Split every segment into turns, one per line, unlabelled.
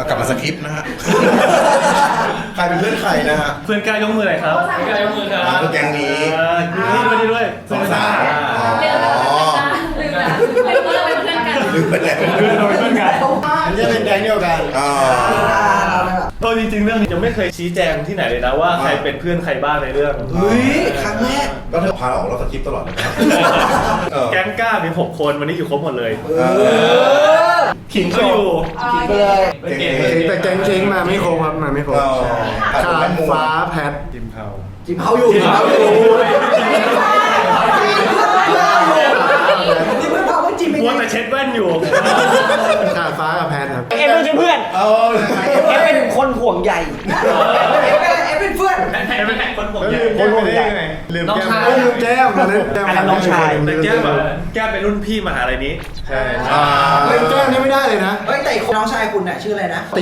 กลับมาสคริปต์นะฮะใครเป็นเพื่อนใครนะฮะ
เพื่อนกล้ายกมือหน่อยครับเพื่อนกล้ายกมือครับ
คือแกงนี้
นี่ด้วย
สองสาวลืมไปแล้ว
เราเป็นเพื่อนกัน
มันจะเป็นแก๊งเดียวกัน
จริงๆเรื่องนี้ยังไม่เคยชี้แจงที่ไหนเลยนะว่าใครเป็นเพื่อนใครบ้างในเรื่อง
เฮ้ยครั้งแรก
ก็เธอพาออกเราสคริปต์ตลอดเลย
แก๊งก้ามี6 คนวันนี้อยู่ครบหมดเลยขิงก็อยู่
ขิงไปเลยแต่แก๊งเช้งมาไม่ครบครับมาไม่ครบขาดฟ้าแพท
จิมเผา
อยู่
มัวแต่เช็ดแว่นอยู่
ขาดฟ้ากับแพทครับ
เอฟเป็นเพื่อนเอฟเป็นคนห่วงใหญ่เอฟเป็นเพื่อน
เป็นคนห่วงใหญ่
ลืมแก้ม
อันนั้นน้องชาย
แต่แก้มเป็นรุ่นพี่มหาลัยนี้
ใช่ลืมแก้มนี่ไม่ได้เลยนะ
เฮ้ยแต่น้องชายคุณน่ะชื่ออะไรนะ
ตี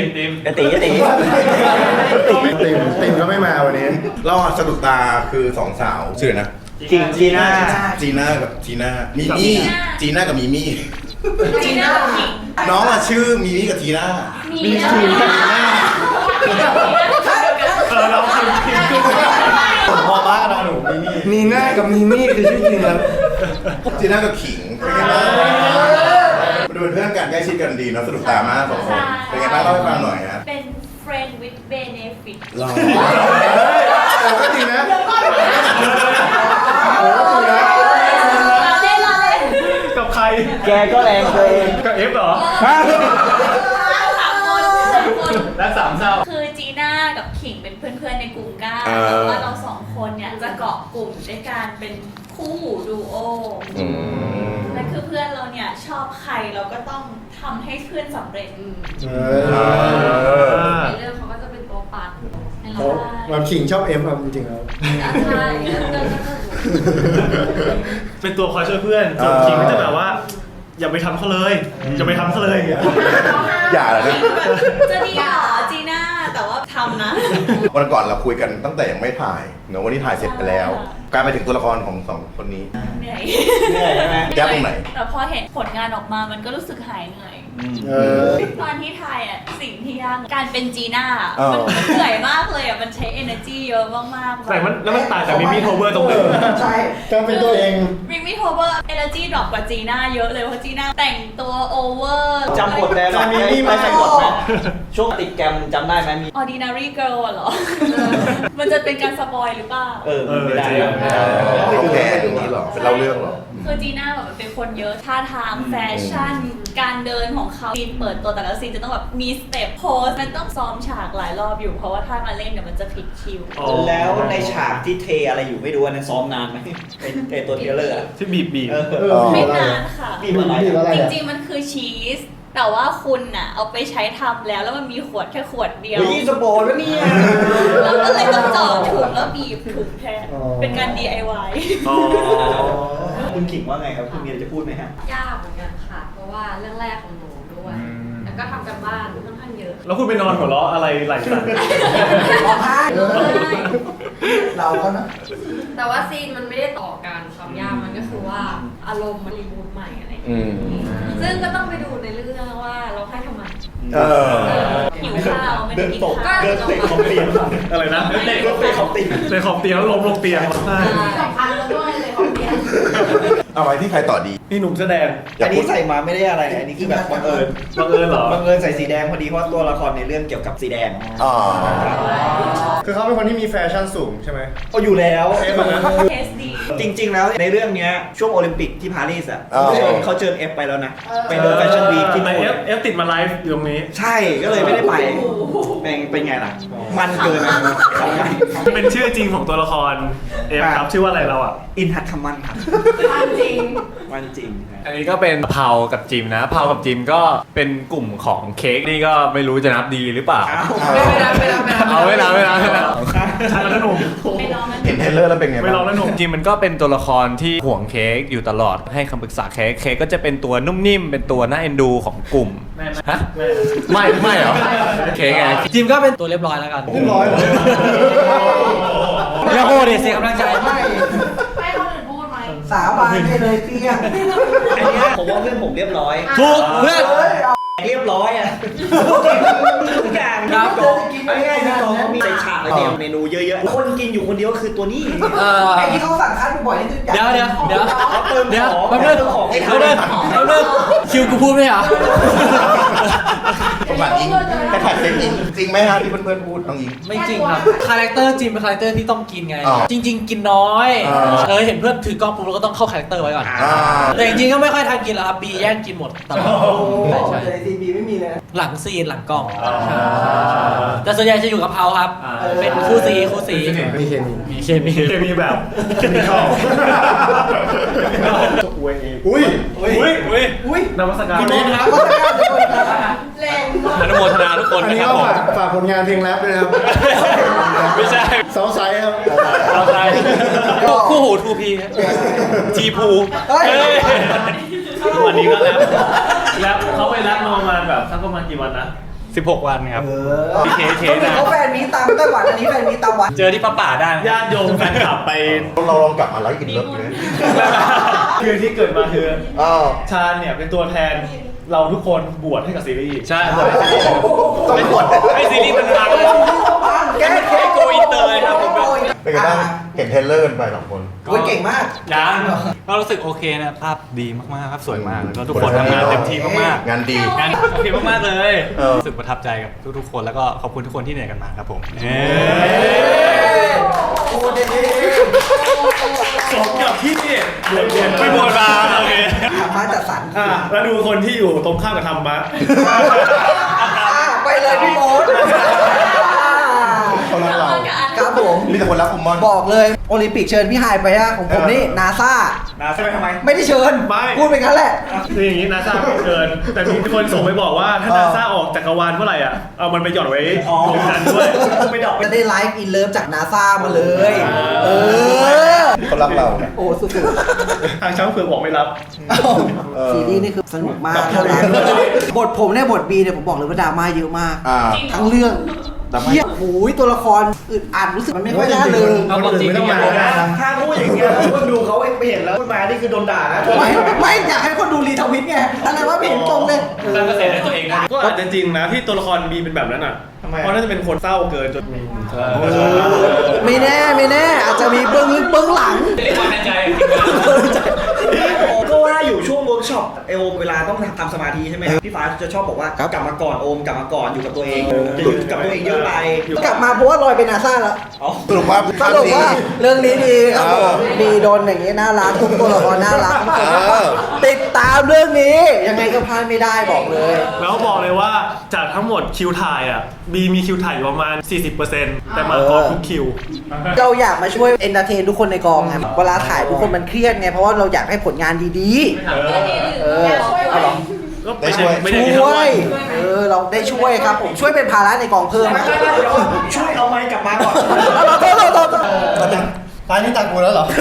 ก็ไม่มาวันนี้
เราสะดุดตาคือ2 สาวชื่อนะ
จีน่า
กับจีน่ามีมี่จีน่ากับมีมี่น้องชื่อมีมี่กับจีน่า
มีจีน่าเราพิมพ์พอบ้าเราหนู
มีหน้ากับมีมี่คือชื่อจริงครับ
จีน่ากับขิงดูเป็นเพื่อนกันใกล้ชิดกันดีเนาะสะดุดตามาก2 คนเป็นไงบ้างเล่าให้ฟังหน่อยฮะ
เป็น friend with benefit
ก็จริงนะ
กับใคร
แกก็แรงเกิน
กับเอฟเหรอและ3 เศร้า
คือจีน่ากับขิงเป็นเพื่อนๆในกลุ่มก้าแล้วว่าเรา2 คนเนี่ยจะเกาะกลุ่มด้วยการเป็นคู่ดูโอและคือเพื่อนเราเนี่ยชอบใครเราก็ต้องทำให้เพื่อนสำเร็จในเรื่องเขาก็จะเป็นตัวปั่น
แบบขิงชอบเอฟครับจริงๆแล้ว
ใช่
เป็นตัวคอยช่วยเพื่อนส่วนขิงก็จะแบบว่าอย่าไปทำเขาเลยอย่าไปทำเขาเลย
อย่าเลยนะ
จะดีเหรอจีน่าแต่ว่าทำนะ
วันก่อนเราคุยกันตั้งแต่ยังไม่ถ่ายเนอะวันนี้ถ่ายเสร็จไปแล้วกลายไปถึงตัวละครของ2 คนนี้
เหนื่อย
ใช่ไหมแก้ตรงไหน
แต่พอเห็นผลงานออกมามันก็รู้สึกหายเหนื่อยตอนที่ถ่ายอ่ะสิ่งที่ยากการเป็นจีน่ามันเหนื่อยมากเลยอ่ะมันใช้ energy เยอะมากๆ
แต่มันแล้วมันต่างจากมิมี่โทเวอร์ตรงไหน
ใช่
ต้องเป็นตัวเอง
มิมี่โทเวอร์ energy ดรอปกว่าจีน่าเยอะเลยเพราะจีน่าแต่งตัวโอเวอร์
จำบทได้ไหมมิมี่ไม่ใช่บทไหมช่วงติดแกรมจำได้ไหมมี
ordinary girl เหรอมันจะเป็นการสปอยหรือเปล่า
ไม่ได้
ต้องแก้ตรงนี้หรอเป็นเล่าเรื่องหรอ
คือจีน่าแบบมันเป็นคนเยอะท่าทางแฟชั่นการเดินของเขาซีนเปิดตัวแต่ละซีนจะต้องแบบมีสเต็ปโพสมันต้องซ้อมฉากหลายรอบอยู่เพราะว่าถ้ามาเล่นเดี๋ยวมันจะผิดคิว
แล้วในฉากที่เทอะไรอยู่ไม่รู้นั้นซ้อมนานไหมในตัวเทเลอร์
ที่บีบ
ไม่นานค่ะ
บีบอะไร
จริงๆมันคือชีสแต่ว่าคุณน่ะเอาไปใช้ทำแล้วมันมีขวดแค่ขวดเดียว
สปอร์ตแล้วเนี่ย
แล้วก็เลยต้องจ่อถุงแล้วบีบถุงแทนเป็นการ DIY
คุณขิงว่าไงครับคุณมีอะไรจะพูดไหมฮะ
ยากเหมือนกันค่ะเพราะว่าเรื่องแรกของหนูด้วยแล้วก็ทำกันบ้านค่อนข้างเยอะ
แล้วคุณไปนอนหัวเราะอะไรไหลสั่น
เราก็นะ
แต่ว่าซีนมันไม่ได้ต่อกันความยากมันก็คือว่าอารมณ์มันรีบูทใหม่อะไรอย่างเงี้ยซึ่งก็ต้องไปดูในเรื่องว่าเราให้ทำไม
หิวข้าวไม่ได้กินข้าว
เดินเตะขอบเตียงอะไรนะ
เตะขอบเตียง
แล้วล้มลงเตียง
สำคัญด้วยเลยขอบเตียง
เอาไว้ที่ใครต่อดี
นี่หนุ่มแสดง
อันนี้ใส่มาไม่ได้อะไรอันนี้คือแบบบังเอิญ
เหรอ
บังเอิญใส่สีแดงพอดีเพราะตัวละครในเรื่องเกี่ยวกับสีแดง
คือเขาเป็นคนที่มีแฟชั่นสูงใช่ไหม
ก็อยู่แล้ว
เทสดี
จริงๆแล้วในเรื่องนี้ช่วงโอลิมปิกที่ปารีสอ่ะเขาเชิญเอฟไปแล้วนะไปเดินแฟชั่นวีคที่
เอฟติดมาไลฟ์อยู่ตรงนี้
ใช่ก็เลยไม่ได้ไปเป็นไงล่ะมันเกิน
เป็นชื่อจริงของตัวละครเอฟครับชื่อว่าอะไรเราอ่ะ
อินทัตทมันครับ
มันจริง
อันนี้ก็เป็นเพากับจิมนะเพากับจิมก็เป็นกลุ่มของเค้กนี่ก็ไม่รู้จะนับดีหรือเปล่าไม่นับ
ใช่แล้วหนุ่ม
เห็นเทเลอร์แล้วเป็นไง
ไม่ลองแล้วหนุ่มจิมมันก็เป็นตัวละครที่ห่วงเค้กอยู่ตลอดให้คำปรึกษาเค้กก็จะเป็นตัวนุ่มนิ่มเป็นตัวน่าเอ็นดูของกลุ่มฮะไม่เหรอเค้กไง
จิมก็เป็นตัวเรียบร้อยแล้วกัน
เรียบร้อย
แล้วโหเสียกำลังใจ
ให้คนอื่นพูดไหม
สาบานได้เลยเตี้ยอันนี้ผมว่าเพื่อนผมเรียบร้อย
ถูกเพื่อน
เรียบร้อยอ่ะกองเขามีใส่ฉากอะไรเมนูเยอะๆคนกินอยู่คนเดียวคือตัวนี้
ไอ้ที่เขาสั่งคัดบ่อยๆนี่คือ
เดี๋ยว
เติมของ
แป๊บนึง
เติมของให้
แป๊บนึงคิวกูพูดไหมเหรอ
ผมหลังอิงแต่ถ่ายเซ็ตอิงจริงไหมฮะที่เพื่อนๆพูดน้องอิง
ไม่จริงครับ คาแรคเตอร์จริงเป็นคาแรคเตอร์ที่ต้องกินไง
อ๋อ
จริง ๆ กินน้อย
อ่า
เห็นเพื่อนถือกล้องปุ๊บเราก็ต้องเข้าคาแรคเตอร์ไว้ก่อน
อ่า
แต่จริงๆก็ไม่ค่อยทันกินแล้วครับบีแย่งกินหมดตลอดใช่
แต่ในซีบีไม่มีเลยนะ
หลังซีนหลังกล้องแต่ส่วนใหญ่จะอยู่กับเขาครับ เป็นคู่ซี
มีเคมี
มีเคมี
เคมีแบบเคมีเข้าอวยเอง
อุ้ย
อุ้ยนมัสการ
คุณโมทครับ
แรงมาก
อนุโมทนาทุกคน
อัน
นะ
นี้
ครับ
ก็
ผม
ฝากผลงานเพลงแรปด้วยนะครับ
ไม่ใช่
ซาวไซด์ครับ
เราใครคู่หูทูพีจีพู
เฮ้ย
วันนี้ก็แล้วเขาไปรับมาประมาณแบบสักประมาณกี่วันนะ
16 วันครับพีเค
เขา
นะ
เขาแฟนมีตามไต้หวันอันนี้แฟนมีตามวัด
เจอที่ป่าได้นะ
ญาติโยมแฟนคลับไป
เราลองกลับมาไลฟ์อินเลิฟเลย
คือที่เกิดมาคือ
อ้าว
ชาญเนี่ยเป็นตัวแทนเราทุกคนบวชให้กับซีรีส์
ใช่
ต้องกด
ให้ซีรีส์มันดังเลย
แก้เค
โกอินเตอร์เลยครับผม
เป็นไงบ้างเห็นเทรลเลอร์กันไป2 คน
โอ้ยเก่งมาก
ยังก็รู้สึกโอเคนะภาพดีมากๆครับสวยมากแล้วก็ทุกคนทำงานเต็มที่มาก
งานดี
ๆงานโอเคมากๆเลย
เออ
รู้สึกประทับใจกับทุกๆคนแล้วก็ขอบคุณทุกคนที่เหนื่อยกันมาครับผม
สมกับที่เรียน
ไม่บวชมาโอเค
ธรรมะจัดสรร
แล้วดูคนที่อยู่ตรงข้ามกับธรรมะ
ไปเลยพี่โมด
คนรักเรา
ครับผม
มีแต่คนรักผมมอน
บอกเลยโอลิมปิกเชิญพี่ไฮไปอะของผมนี่นาซา
นาใช่ไหมทำไม
ไม่ได้เชิญ
ไม่
พูดไปงั้นแหละ
คืออย่างนี้นาซาไม่เกิน แต่มีคนส่งไปบอกว่าถ้านาซาออกจักรวาลเมื่อไหร่อ่ะ เอามันไปหย่อนไว้ตรงนั้นด้วย
ไม่ดอก
จะได้ไลฟ์อินเลิฟจากนาซามาเลย เออ
คนรักเรา
โอ้สุด
ทางช้างเผือกบอกไม่รับ
ๆซีรีส์นี่คือสนุกมากน่ารักบทผมเนี่ยบทบีเนี่ยผมบอกเลยว่าดราม่าเยอะมาก
อ่า
ทั้งเรื่อง
ดราม่า
เฮียโอ้ยตัวละครอึดอัดรู้สึกมันไม่ค่อยน่าเลย
เอาความจริง
ไม่ต้องมา
ถ้าพูดอย่างเงี้ยคนดูเขาไปเห็นแล้วพูดมานี่คือโดนด่านะ
ไม่อยากให้คนดูรีทวิตไงอะไรว่าไม่เห็นตรงเลย
สร้างกระแสให้ตัวเองได้
ก็อาจจะจริงนะที่ตัวละครบีเป็นแบบนั้นอ่ะ เพราะน่าจะเป็นคนเศร้าเกินจน
ไม่แน่อาจจะมีเบื้องลึกเบื้องหลัง
เรียกว่าในใจจริง
ก็ว่าอยู่ช่วงเวิร์กช็อปโอมเวลาต้องทำสมาธิใช่ไหมพี่ฟ้าจะชอบบอกว่ากลับมาก่อนโอมกลับมาก่อนอยู่กับตัวเองจะอยู่กับตัวเองเยอะไป
กลับมาเพราะว่าลอยเป็นนาซาแล้ว
สรุปว่า
สรุปว่าเรื่องนี้ดีครับผมดีโดนอย่างนี้น่ารักทุกตัวละครน่ารักทุกคนติดตามเรื่องนี้ ยังไงก็พลาดไม่ได้บอกเลย
แล้วบอกเลยว่าจากทั้งหมดคิวถ่ายอ่ะบีมีคิวถ่ายอยู่ประมาณ 40%แต่มาก่อนทุกคิว
เราอยากมาช่วยเอนเตอร์เทนทุกคนในกองไงเวลาถ่ายทุกคนมันเครียดไงเพราะว่าเราอยากให้ผลงานดีๆเอาหรอ
ก็ไม่ได้ไม่ได้
ช่วยเราได้ช่วยครับผมช่วยเป็นภาระในกองเพิ่ม
ช่วยเอาไม้กลับมาก่อน
ตายนี่ตักกูแล้วเหรอ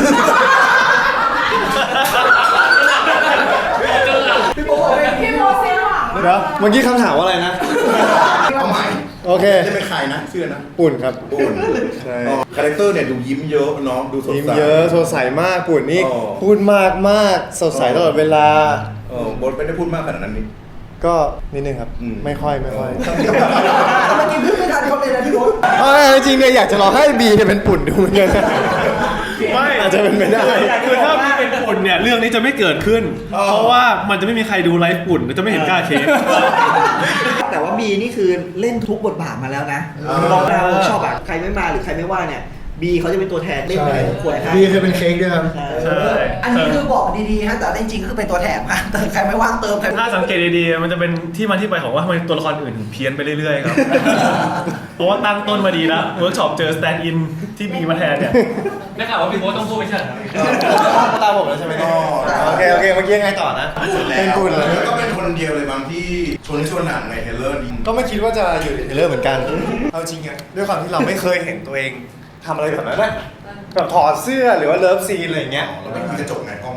พี่โบเซ่ว่ะ
เดี๋ยวเมื่อกี้คำถามว่าอะไรนะ
เอาใหม่
โอเค
จะเป็นใครนะชื่อนะ
ปุ่นครับ
ปุ่น
ใช่
คาแรคเตอร์เนี่ยดูยิ้มเยอะเนาะดูสด
ยิ้ม
ใส
เยอะสดใสมากปุ่นนี่
อ๋อ
พูดมากมากสดใสตลอดเวลา
บทไม่ได้พูดมากขนาดนั้นนี่
ก็นิดนึงครับ
อืม
ไม่ค่อย
เมื่อกี้พูดไม่ทันเขาเลยนะพี่โบ
จริงๆเนี่ยอยากจะรอให้บีเนี่ยเป็นปุ่นดูเหมือนกัน
ไม่
อาจจะเป็นไม่ได้
คือถ้าพี่เป็นปุ่นเนี่ยเรื่องนี้จะไม่เกิดขึ้น เพราะว่ามันจะไม่มีใครดูไลฟ์ปุ่นจะไม่เห็นกล้าเค้ก
แต่ว่าบีนี่คือเล่นทุกบทบาทมาแล้วนะลองมาเวิร์กช็อปอะใครไม่มาหรือใครไม่ว่าเนี่ยบีเขาจะเป็นตัวแทนเล่นให้ทุกคนให้
บีเคยเป็นเค้กด้วยครับ
ใช่
อันนี้คือบอกดีๆฮะแต่จริงๆคือเป็นตัวแถมค่ะแต่ใครไม่ว่างเติมใคร
ถ้าสังเกตดีๆมันจะเป็นที่มาที่ไปของว่าทำไมตัวละครอื่นถึงเพี้ยนไปเรื่อยๆครับ เพราะว่าตั้งต้นมาดีแล้วเวิร์กช็อปเจอสแตนด์อินที่บีมาแทนเนี่ย
ได้ข่าวว่าพี่โบ๊ทต้องพูดไม่ใช่เหรอ
ตามผมแล้วใช่ไหมโอเคเมื่อกี้ยังไงต่อนะ เป็นปุ่นเลย
แล้วก็เป็นคนเดียวเลยบางที่ชวนหนังในเทรลเลอร์ดี
ก็ไม่คิดว่าจะอยู่ในเทรลเลอร์เหมือนกัน เอาจริงอะด้วยความที่เราไม่เคยเห็นตัวเองทำอะไรแบบนั้นนะแบบถอดเสื้อหรือว่าเลิฟซีนอะไรอย่างเงี้ย
เราไม่มีกระจกไงกล้อง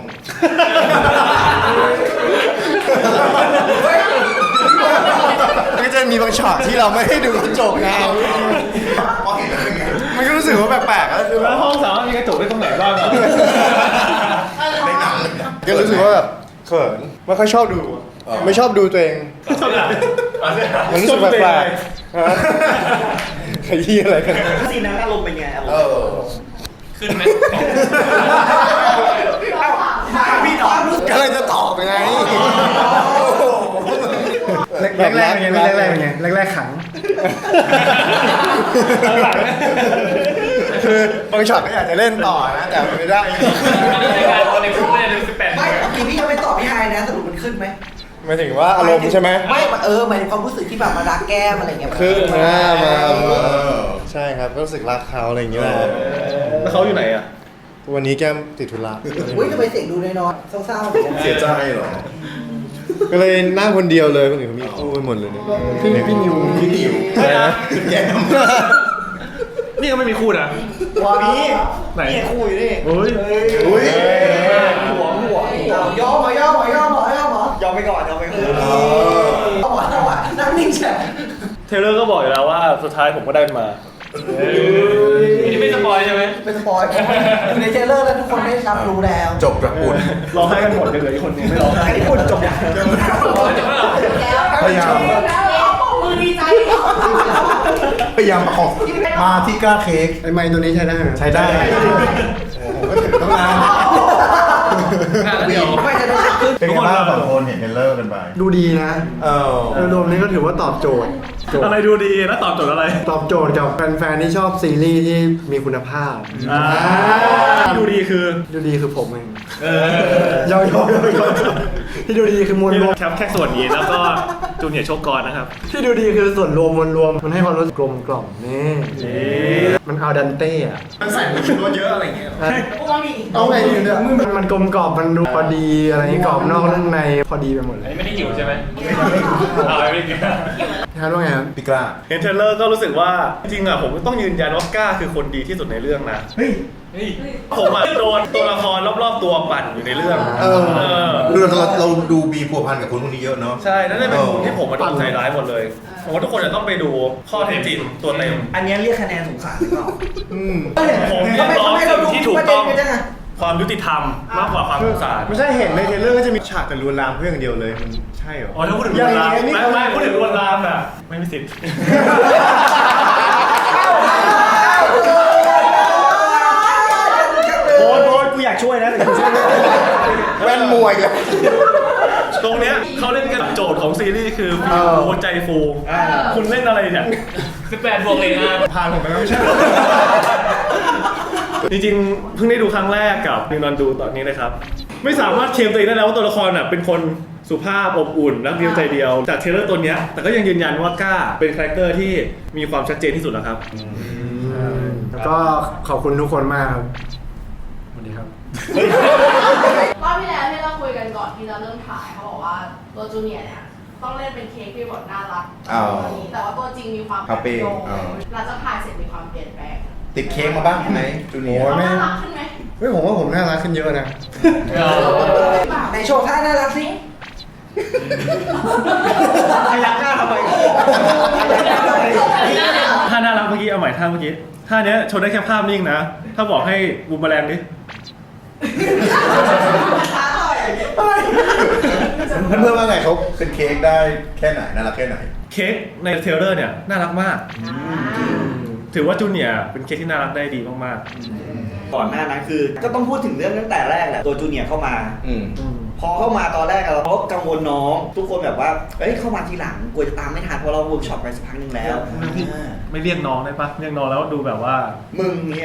ก็จะมีบางช็อตที่เราไม่ได้ดูกระจกไง
พอเห็นแล้วเป็นไง
มันก็รู้สึกว่าแปลกๆก็คือแบ
แล้ว
บ
ห้องสามารถมีกระจกได้ตรงไหนบ้างอะ
ในหนังเลยนะ
ก็รู้สึกว่าแบบเขินไม่ค่อยชอบดู ไม่ชอบดูตัวเอง
เท่าไหร่
มันรู้สึกแปลกๆฮะขยี้อะไรกัน
ซีนนั้นอารมณ์เป็นไงอารมณ์
ขึ้นไหม
พี่ตอบ
ก็เลยจะตอบยังไง
แรกๆเป็นไงแรกๆเป็นไงแรกๆขัง
คือบางช็อตก็อยากจะเล่นต่อนะแต่ไม่ได้
ในคุกเนี่ยใน18
ไม่เมื่อกี้พี่ยังไม่ตอบพี่ไฮนะสรุปมันขึ้นไหม
หมายถึงว่าอารมณ์ใช่ไหม
ไม่หมายถึงความรู้สึกที่แบบมารักแก้มอะไรเงี้ย
คือมาใช่ครับก็รู้สึกรักเขาอะไรอย่างเงี้ยแหละ
แล้วเขาอยู่ไหนอ่ะ
วันนี้แก้มติดธุระ
อุ้ยทำไมเสียงดูน้อยๆเศร้าๆเหมือนกัน
เสียใจเหรอ
ก็เลยนั่งคนเดียวเลยคนอื่นเขามีคู่กันหมดเลยเนี่ย
พี่นิว
ใช่นะ
แก้ม
นี่ก็ไม่มีคู่นะ
ว้ามี
ไหน
นี่คู่อยู่นี่
เฮ้ย
อุ้ย
หัวยอมยอมไปก่อนนั่งนิ่งเฉย
เทเลอร์ก็บอกอยู่แล้วว่าสุดท้ายผมก็ได้มานี่ไม่สปอยใช่ไหม
เป็นสปอยอยู่ในเทรลเลอร์แล้วทุกคนได้รับรู้แล้ว
จบแบบอุ่น
ร้องไห้กันหมดเลยเหลืออีกคนนึงไม่ร้องไห้
ไอ้คนจบอย่าง
พยายาม
มือดีใจ
พยายามประคองมาที่กล้าเค้ก
ไอ้ไม้ตัวนี้ใช้ได้ไหม
ใช้ได้ผมก็ถือตั้งนาน
ไม่จะได้ขึ้น
เป็นไงบ้างสองคนเห็นเทรลเลอร์กันไป
ดูดีนะ
เออ
รวมๆนี้ก็ถือว่าตอบโจทย์
อะไรดูดีแล้วตอบโจทย์อะไร
ตอบโจทย์กับแฟนๆที่ชอบซีรีส์ที่มีคุณภาพ
ที่ดูดีคือ
ดูดีคือผมเองยอมที่ดูดีคือมวลรวม
แค่ส่วนนี้แล้วก็จูเนียร์โชคกรนะครับ
ที่ดูดีคือส่วนรวมมวลรวมมันให้ความรู้สึกกลมกล่อมนี่มันเอาดันเต้อะ
มันใส่ผงชูรสเยอะอะไรเงี้ย
เอาไงดีเนี่ยมันกลมกล่อมมันดูพอดีอะไรกรอบนอกเรื่องในพอดีไปหมดเลย
ไม่ได้หิวใช่ไหมไม่ได้กิน
ท่านว่าไงครับ
พี่กล้า
เห็นเทรลเลอร์ก็รู้สึกว่าจริงๆอ่ะผมต้องยืนยันว่าก้าคือคนดีที่สุดในเรื่องนะผมอ่ะโดนตัวละครรอบๆตัวปั่นอยู่ในเรื่อง
เราดูบีพัวพันกับคนพวกนี้เยอะเนาะ
ใช่นั่นเลยเป็นมุมที่ผมมาโดนใจร้ายหมดเลยผมว่าทุกคนจะต้องไปดูข้อเท็จจริงตัวเต็ม
อันนี้เรียกคะแนนสงสารหรือเปล่า
ผมเรียกร้องสิ่งที่ถูกต้องความยุติธรรมมากกว่าความสงสาร
ไม่ใช่เห็นในเทรลเลอร์ก็จะมีฉากแต่ลวนลามเพื่อนเดียวเลยมันใช่เหรอ
อ๋อถ้าพูดถึงลวนลามไม่พูดถึงลวนลามอ่ะไม่มีสิทธิ์
โบ๊ทกูอยากช่วยนะแต่กูช่วยไม่ได้
แว่นมวยเลย
ตรงเนี้ยเขาเล่นกันโจทย์ของซีรีส์คือฟีลหัวใจฟูคุณเล่นอะไรเนี่ย18 บวกเลยนะ
ผ่านผมไปแล้วไม่ใช่
จริงๆเพิ่งได้ดูครั้งแรกกับนิวนอนดูตอนนี้เลยครับไม่สามารถเคลมตัวเองได้แล้วว่าตัวละครอ่ะเป็นคนสุภาพอบอุ่นรักเดียวใจเดียวจากเทรลเลอร์ตัวเนี้ยแต่ก็ยังยืนยันว่าก้าเป็นคาแรคเตอร์ที่มีความชัดเจนที่สุดแล้วครับ
แล้วก็ขอบคุณทุกคนมากครับสวัสดีครับ
รอบที่แล้วที่เราคุยกันก่อนที่จะเริ่มถ่ายเขาบอกว่าตัวจูเนียร์เนี่ยต้องเล่นเป็นเค้กที่แบบน่ารักแต่ว่าตัวจริงมีความโยงหลังจากถ่ายเสร็จมีความเปลี่ยนแปลง
ติดเค้กมาบ้างไหมจูเนียร์
เขาน่ารักขึ้นไหม
เฮ้ยผมว่าผมน่ารักขึ้นเยอะนะ
ในโชว์ท่าน่ารักสิพยักหน้าทำไม
ท่าน่ารักเมื่อกี้เอาใหม่ท่าเมื่อกี้ท่าเนี้ยโชว์ได้แค่ภาพนิ่งนะถ้าบอกให้บูมแมลงดิ
เพื่อนๆว่าไงเขาเป็นเค้กได้แค่ไหนน่ารักแค่ไหน
เค้กในเทรลเลอร์เนี่ยน่ารักมากถือว่าจูเนียร์เป็นเค้กที่น่ารักได้ดีมาก
ก่อนหน้านั้นคือก็ต้องพูดถึงเรื่องตั้งแต่แรกแหละตัวจูเนียร์เข้ามา พอเข้ามาตอนแรกเราก็กังวลน้องทุกคนแบบว่าเฮ้ยเข้ามาทีหลังกลัวจะตามไม่ทันเพราะเราเวิร์กช็อปไปสักพักนึงแล้ว
ๆไม่เรียกน้องได้ปะเรียกน้องแล้วดูแบบว่า
มึงเนี่ย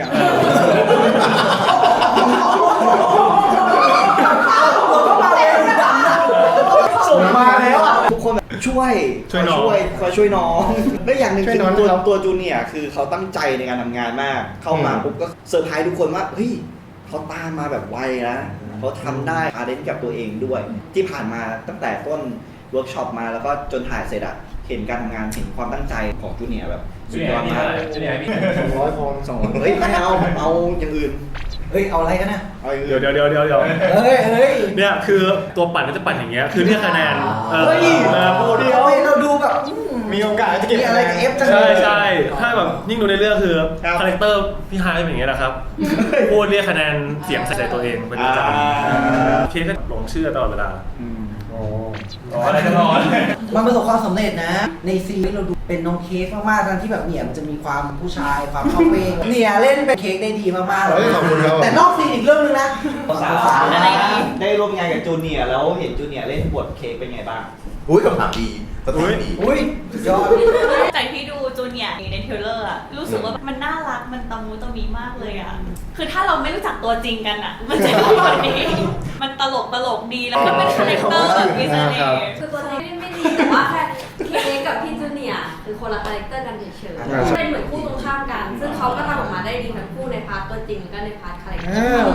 ส่งมาแล้วทุกคนแบบช่วยคอยช่วยน้องและอย่างหนึ่งคือตัวจูเนียร์คือเขาตั้งใจในการทำงานมากเข้ามาปุ๊บก็เซอร์ไพรส์ทุกคนว่าเฮ้ยเขาตามมาแบบไวนะเขาทำได้อาเดนกับตัวเองด้วยที่ผ่านมาตั้งแต่ต้นเวิร์กช็อปมาแล้วก็จนถ่ายเสร็จอะเห็นการทำงานเห็นความตั้งใจของจูเนียร์แบบสุดยอดมาก200 พอ200เฮ้ยไม่เอาอย่างอื่นเฮ้ยเอาอะไรกันนะเอาอย่างอื่น
เดี๋ยว
เฮ้ย
เนี่ยคือตัวปั่นก็จะปั่นอย่างเงี้ยคือเรียกคะแนนพูด
เดี๋ยวเราดูแบบ
มีโอกาสจะเก็บ
มีอะไรกับเอฟจัง
ใช่ถ้าแบบยิ่งดูในเรื่องคือคาแรคเตอร์พี่ไฮเป็นอย่างเงี้ยนะครับพูดเรียกคะแนนเสียงใส่ตัวเองเป็นประจำเค้กก็หลงเชื่อตลอดเวลาอะไรจะรอ
มันประสบความสำเร็จนะ ในซีรีส์เราดูเป็นน้องเค้กมากๆทั้งที่แบบเนี่ยมันจะมีความผู้ชายความเข้าเป้งเนี่ยเล่นเป็นเค้กได้ดีมากๆเลย
ขอบคุณครับ
แต่นอกซีนอีกเรื่องนึงนะ
สาวได้ร่วมงานกับจูเนียร์แล้วเห็นจูเนียร์เล่นบทเค้กเป็นไงบ้าง
อุ้ยคำถามดีคำถามดี
อุ้ยสุดยอด
จากที่ดูจูเนียร์ในเทรลเลอร์อะรู้สึกว่ามันน่ารักมันตะมูตะมีมากเลยอะคือถ้าเราไม่รู้จักตัวจริงกันอะมันจะดีกว่านี้มันตลกดีแล้วก็เป็นคาแรคเตอร์แบบมีเสน่ห์
คือตัวนี้ไม่ดีแต่ว่าแค่เค้กกับพี่จูเนียร์คือคนละคาแรคเตอร์กันเฉยๆเป็นเหมือนคู่ตรงข้ามกัน ซึ่งเขาก็ทำออกมาได้ดีทั้งคู่ในพาร์ทตัวจริงแล้วก็ในพาร์ทคาแรคเตอร์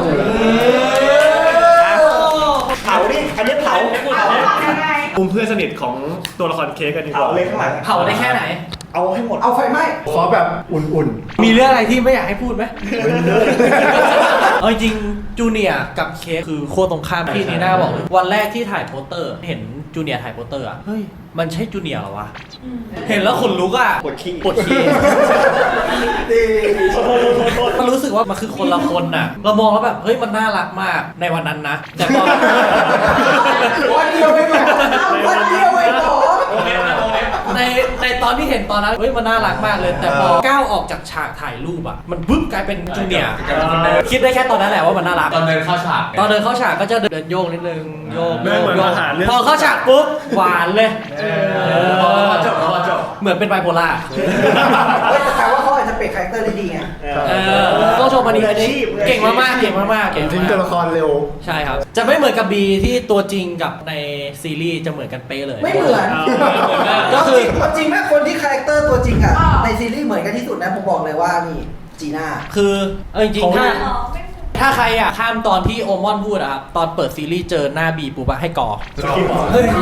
เผาดิอันนี้เผา
มุมเพื่อนสนิทของตัวละครเค้กกันดีกว่า
เผาเลยข้างหลัง
เผาได้แค่ไหน
เอาให้หมด
เอาไฟไหม้
ขอแบบอุ่น
มีเรื่องอะไรที่ไม่อยากให้พูดไหมเอาจริงจูเนียร์กับเค้กคือโคตรตรงข้ามพี่นีน่าบอกเลยวันแรกที่ถ่ายโปสเตอร์ เห็นจูเนียร์ถ่ายโปสเตอร์อ่ะเฮ้ยมันใช่จูเนียร์เหรอวะเห็นแล้วขนลุกอ่ะ
ปวดขี้
ปวดขี้มันรู้สึกว่ามันคือคนละคนน่ะ เรามองแล้วแบบเฮ้ยมันน่ารักมากในวันนั้นนะแต่พอ
วันเดียวเองเหรอวันเดียวเองเหรอ
ในตอนที่เห็นตอนนั้นเฮ้ยมันน่ารักมากเลย แต่พอก้าวออกจากฉากถ่ายรูปอ่ะมันบึ้มกลายเป็นจูเนียร์คิดได้แค่ตอนนั้นแหละว่ามันน่ารัก
ตอนเดินเข้าฉาก
ตอนเดินเข้าฉากก็จะเดินโยกนิดนึงโยก
เดินเหมือนมาหาเรื่อง
พอเข้าฉากปุ๊บหวานเลย
พอจบ
เหมือนเป็นไบโพล่า
เฮ้ยแต่แปลว่าเขาอาจจะเปลี่ยนคาแรคเตอร์ได้ดีไง
ต้องชมอันนี้เก่งมากๆเก่งมากๆเก่ง
ๆทิ้งตัวละครเร็ว
ใช่ครับ จะไม่เหมือนกับบีที่ตัวจริงกับในซีรีส์จะเหมือนกันเป๊ะเลย
ไม่เหมือน
ก็คือ
จริงแม่คนที่คาแรคเตอร์ตัวจริงอะในซีรีส์เหมือนกันที่สุดนะผมบอกเลยว่านี่จีน่า
คือจริงๆถ้าใครอ่ะข้ามตอนที่โอมอนพูดอะครับตอนเปิดซีรีส์เจอหน้าบีปุ๊บอะให้กอ
เฮ้ย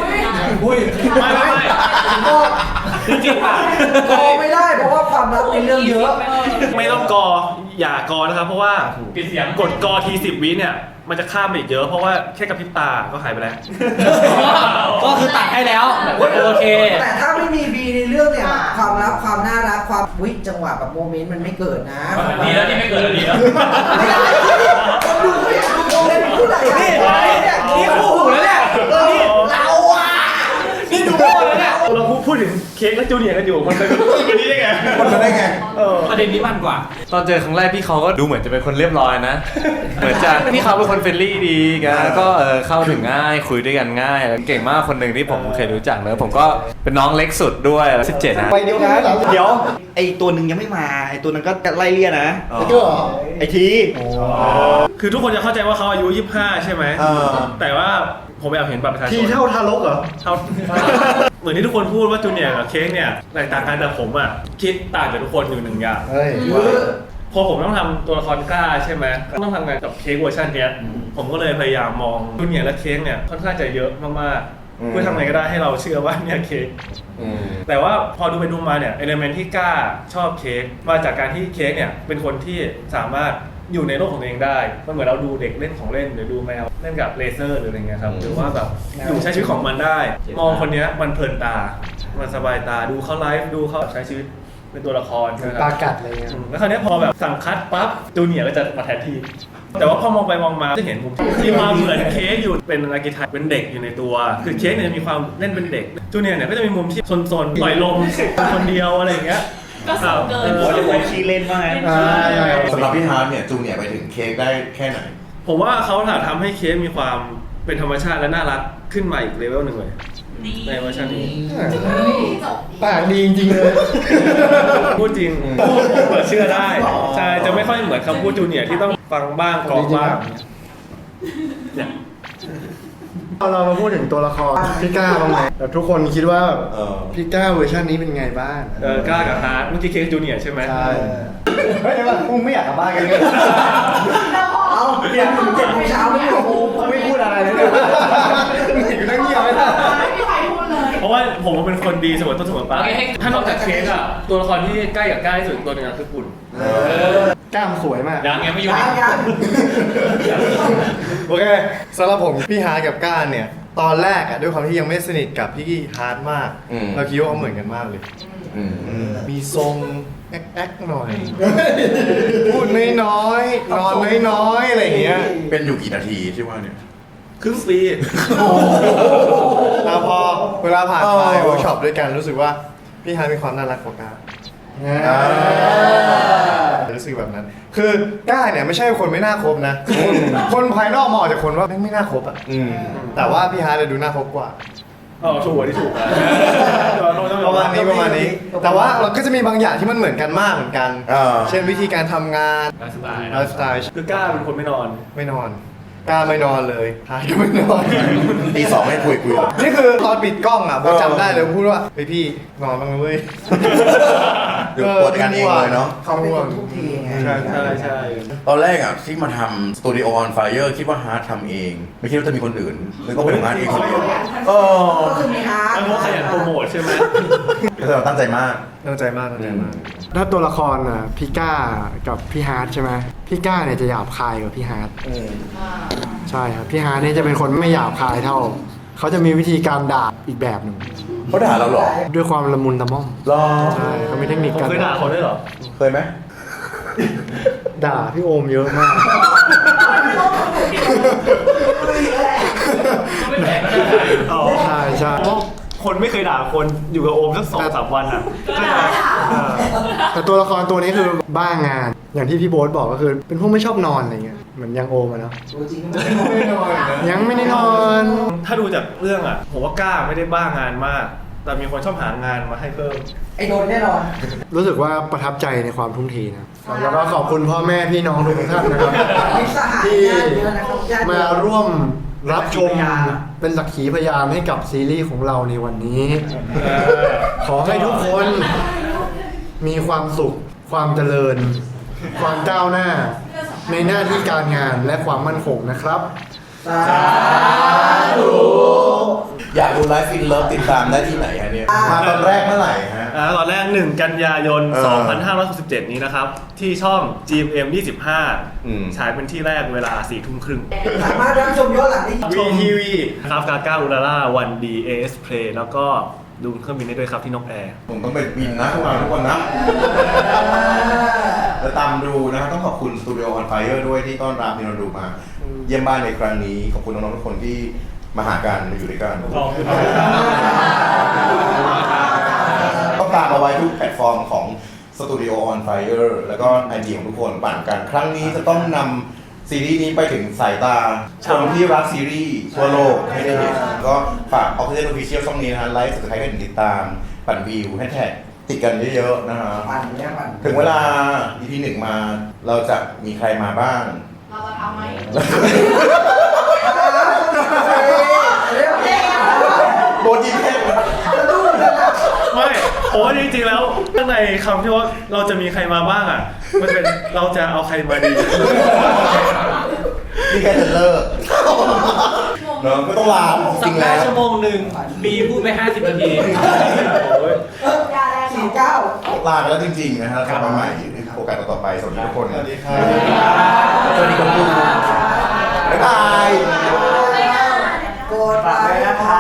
ไม่
จริงๆป่ะ
กอไม่ได้เพราะว่าความลับในเรื่องเยอะ
ไม่ต้องกออย่ากอนะครับ เพราะว่าปิดเสียงกดกอที10 วิเนี่ยมันจะข้ามไปอีกเยอะเพราะว่าแค่กระพริบตาก็หายไปแล้ว
ก็คือตัดให้แล้วโอเค
แต่ถ้าไม่มีบีในเรื่องเนี่ยความลับความน่ารักความวิจังหวะแบบโมเมนต์มันไม่เกิดนะ
ดีแล้วที่ไม่เกิดดีแล้ว
ไม่ได้คนดูไม่อยากดูโมเมนต์ผู้ใดนี่คู่หูแล้วเนี่ยนี่เราอ่ะ
นี่ดูโง่แล้วเนี่ย
เราพูดถึงเค้กและจูเนียร์กันอยู่มันเป็นแบบนี้ได้ไง
มันมาได้ไง
ประเด็นนี้มันกว่า
ตอนเจอครั้งแรกพี่เขาก็ดูเหมือนจะเป็นคนเรียบร้อยนะ เหมือนจะพี่เขาเป็นคนเฟรนลี่ดีกันก็เข้าถึงง่ายคุยด้วยกันง่ายแล้วเก่งมากคนหนึ่งที่ผมเคยรู้จักแล้วผมก็เป็นน้องเล็กสุดด้วย17นะ
ไปเดียวนะเดี๋ยวไอตัวหนึ่งยังไม่มาไอตัวนั้นก็ไล่เลี่ยนะ
ก็เหรอ
ไอที
คือทุกคนจะเข้าใจว่าเขาอายุ 25 ใช่ไหมแต่ว่าผมไปเอาเห็นบัตรประชาชน
ทีเท่าทารกเหรอ
เท่า เหมือนที่ทุกคนพูดว่าจูเนียร์กับเค้กเนี่ยแตกต่างกันแต่ผมอ่ะคิดต่างจากทุกคนอยู่หนึ่งอย่าง
เฮ้ย
พอผมต้องทำตัวละครกล้าใช่ไหมต้องทำงานกับเค้กเวอร์ชันเนี้ยผมก็เลยพยายามมองจูเนียร์และเค้กเนี่ยค่อนข้างจะเยอะมากๆเพื่อทำไงก็ได้ให้เราเชื่อว่าเนี่ยเค้กแต่ว่าพอดูไปดูมาเนี่ยเอลิเมนต์ที่กล้าชอบเค้กมาจากการที่เค้กเนี่ยเป็นคนที่สามารถอยู่ในโลกของตัวเองได้มันเหมือนเราดูเด็กเล่นของเล่นหรือดูแมวเล่นกับเลเซอร์หรืออะไรเงี้ยครับหรือว่าแบบอยู่ใช้ชีวิตของมันได้ มองคนเนี้ยมันเพลินตามันสบายตาดูเขาไลฟ์ดูเขาใช้ชีวิตเป็นตัวละครใช่ไหมค
ป
รั
ลา
บ
กัดอะไรเงี้ย
แล้วคราวนี้พอแบบสั่งคัดปั๊บจูเนียร์ก็จะมาแทนที่แต่ว่าพอมองไปมองมาจะเห็นมุมที่มีความเหมือนเค้กอยู่เป็นอาร์คิไทป์เป็นเด็กอยู่ในตัวคือเค้กเนี่ยมีความเล่นเป็นเด็กจูเนียร์เนี่ยก็จะมีมุมที่ซนๆปล่อยลมคนเดียวอะไรอย่างเงี้ย
ก็สูงเกิน
โอ้ยจะไปขี้เล่นมาก
สำหรับพี่ฮาร์ดเนี่ยจูเนียร์ไปถึงเค้กได้แค่ไหน
ผมว่าเขาทำให้เค้กมีความเป็นธรรมชาติและน่ารักขึ้นมาอีกเลเวลหนึ่งเลยในเวอร์ชันนี้
ปากดีจริงๆเลย
พูดจริงพูดเปิดเชื่อได้ใช่จะไม่ค่อยเหมือนคำพูดจูเนียร์ที่ต้องฟังบ้างกรองบ้างเนี่ย
เรามาพูดถึงตัวละครพี่ก้าบ้างไหมแบบทุกคนคิดว่าแบบพี่ก้าเวอร์ชันนี้เป็นไงบ้าง
กล้ากับฮาร์ดเมื่อกี้เค้กจูเนียร์ใช่ไหม
ใช่
เฮ้ยว่ามึงไม่อยากกลับบ้านกันเลย
เอาเดี๋ยวถึง7 โมงเช้าไม่เอา
กูไม่พูดอะไรเลยเนี่ยอยู่นั่งเงียบไม่ได้
ไม่มีใครพูดเลย
เพราะว่าผมเป็นคนดีเสมอต้นเสมอปลายถ้านอกจากเค้กอะตัวละครที่ใกล้กับกล้าที่สุดตัวหนึงคือปุ่น
กล้ามสวยมาก
ยังไม่อยู่
ยัง
โอเคสำหรับผมพี่ฮาร์ดกับก้านเนี่ย ตอนแรกอะด้วยความที่ยังไม่สนิทกับพี่ฮาร์ดมาก เราคิดว่าเขาเหมือนกันมากเลย มีทรงแอ๊กๆหน่อย พูดน้อยๆนอนน้อยๆอะไรอย่างเงี้ย
เป็นอยู่กี่นาทีที่ว่าเนี่ย
ครึ่งปี
แล้วพอเวลาผ่านไปเวิร์กช็อปด้วยกันรู้สึกว่าพี่ฮาร์ดมีความน่ารักกว่าก้ารู้สึกแบบนั้น คือก้าเนี่ยไม่ใช่คนไม่น่าคบนะ คนภายนอกมองจากคนว่าไม่น่าคบอ่ะแต่ว่าพี่ฮาร์ดดูน่าคบกว่า
อ๋อถูกที่ถูก
ประมาณนี้ แต่ว่าเราก็จะมีบางอย่างที่มันเหมือนกันมากเหมือนกัน เช่นวิธีการทำงาน
ไลฟ์สไตล์
ไลฟ์สไตล์
คือกล้าเป็นคนไม่นอน
ไม่นอนกล้าไม่นอนเลยฮาร์ดก็ไม่นอน
ตีสองให้คุย
นี่คือตอนปิดกล้องอ่ะผมจำได้เลยผมพูดว่าพี่นอนบ้างนะเว้ย
เดี๋ยวปวดกันเองเลยเนาะ
เขาเป็นคนทุกทีไง
ใช่
ตอนแรกอ่ะที่มาทำ Studio on Fire คิดว่าฮาร์ดทำเอง ไม่คิดว่าจะมีคนอื่นเลยก็เป็นของฮาร์ดเองคนเดียว
ก็คือมีฮาร์ด
มันเพราะขยันโปรโมทใช่ไหม
ก็เราตั้งใจมาก
ตั้งใจมาก
ถ้าตัวละครอ่ะพี่ก้ากับพี่ฮาร์ดใช่ไหมพี่ก้าเนี่ยจะหยาบคายกว่าพี่ฮาร์ดใช่ครับพี่ฮาร์ดเนี่ยจะเป็นคนไม่หยาบคายเท่าเขาจะมีวิธีการด่าอีกแบบหนึ่ง
เขาด่าเราเหรอ
ด้วยความละมุนละม่อม
รอ
ใช่เขามีเทคนิคการ
เคยด่าเขาด้วยเหรอ
เคยไหม
ด่าพี่โอมเยอะมาก
อ๋อ
ใช่ใช่
เพราะคนไม่เคยด่าคนอยู่กับโอมสัก2-3 วันอ่ะก็จะ
แต่ตัวละครตัวนี้คือบ้างาน อย่างที่พี่โบ๊ทบอกก็คือเป็นพวกไม่ชอบนอนอะไรเงี้ยเหมือนยังโอมอะเนาะ
จริง
ไม่ได้นอน
ยังไม่ได้นอน
ถ้าดูจากเรื่องอ่ะผมว่ากล้าไม่ได้บ้างานมาก แต่มีคนชอบหางานมาให้เพิ่ม
ไอ้โดนแน่นอน
รู้สึกว่าประทับใจในความทุ่มเทนะแล้วก็ขอบคุณพ่อแม่พี่น้องทุกท่านนะครับ
มีสหาย
ที่
ญาติเยอะนะครับญาติเยอะ
มาร่วมรับชมเป็นสักขีพยานให้กับซีรีส์ของเราในวันนี้ ขอให้ทุกคนมีความสุข ความเจริญ ความก้าวหน้า ในหน้าที่การงานและความมั่นคงนะครับ
อยากดูไลฟ์ฟินเลิฟติดตามได้ที่ไหนฮะเนี่ย มาตอนแรกเมื่อไหร่ฮะ
ตอนแรก 1 กันยายน
เออ
2567 นี้นะครับ ที่ช่อง GMM 25 ฉายเป็นที่แรกเวลา 4 ทุ่มครึ่ง
สามารถรับชมย้อนหลังได้
VTV ครับกาก้าอุลาล่าวันดี AS Play แล้วก็ดูเครื่องบินได้ด้วยครับที่นกแอร์
ผมต้องไปบินนะพวกเราทุกคนนะและตามดูนะครับต้องขอบคุณ Studio on Fire ด้วยที่ต้อนรับมินดูมาเยี่ยมบ้านในครั้งนี้ ขอบคุณน้องๆทุกคนที่มาหากันมาอยู่ด้วยกัน
ขอบคุณ
ต้องตามเอาไว้ทุกแพลตฟอร์มของ Studio on Fire แล้วก็ไอเดียของทุกคนปั่นกัน ครั้งนี้จะต้องนำซีรีส์นี้ไปถึงสายตาคนที่รักซีรีส์ทั่วโลกให้ได้เห็นก็ฝาก Official Official ช่องนี้นะฮะไลฟ์สุดท้ายกันติดตามปั่นวิวให้แท็กติดกันเยอะๆนะฮะ
ปั่นเนี่ยปั่น
ถึงเวลา EP 1 มาเราจะมีใครมาบ้าง
เราจะทำไหม
โบนยิงแค่
ไม่ผมว่าจริงๆแล้วข้างในคำที่ว่าเราจะมีใครมาบ้างอ่ะ มันเป็นเราจะเอาใครมาดี
นี่แค่เทรลเลอร์เนอะไม่ต้องลาจ
สั
ริ
ป
ง
ดา
แล้
ห์
ว
ชั่วโมงหนึ่งบีพูดไป50 นาที
โอ้ย
ยาแรง
49
ลาไปแล้วจริงๆนะฮะกลับมาใหม่โอกาสต่อๆไปสวัสดีทุกคน
สวัสดีครับ
สวัสดีคนดูบ๊ายบาย
กดไลค์นะคะ